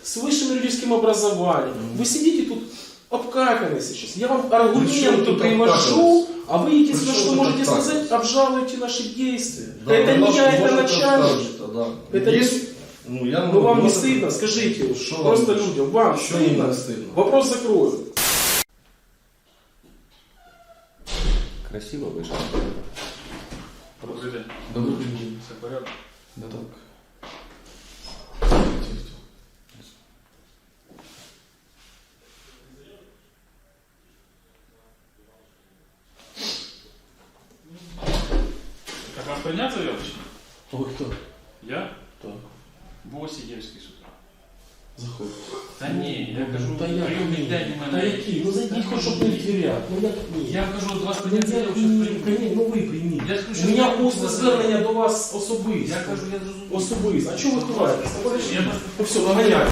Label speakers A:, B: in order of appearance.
A: с высшим юридическим образованием. Вы сидите тут обкаканы сейчас. Я вам аргументы привожу, а вы единственное, что можете сказать, обжалуйте наши действия.
B: Да,
A: это не я, это начальник. Это
B: Есть,
A: ну вам не стыдно, скажите,
B: что
A: просто
B: вам,
A: людям, вам
B: что
A: стыдно?
B: не стыдно?
A: Вопрос закрою.
C: Красиво вышло.
D: Добрый день.
B: Добрый день.
D: Все в порядке?
B: Да так.
D: Так вас поднять заявочки?
B: Ой, кто?
D: Я?
B: Так.
D: Босидельский с утра.
B: Заходит.
D: Да не, я кажу,
A: Та я
D: приемник дяди
A: Та
D: мене.
A: які? Ну зайдіть хоч щоб не в дверях. Ну як ні?
D: Я кажу, от вас
A: Ну,
D: поднять
A: я
D: заявочки.
A: прийміть, ну ви прийміть.
D: Я скажу,
A: У
D: що
A: мене
D: я
A: просто
D: просто
A: звернення до вас особисто.
D: Я кажу, я зрозумів.
A: Особисто. А чого ви ховаєтесь?
D: Я
A: Ну все, наганяйте.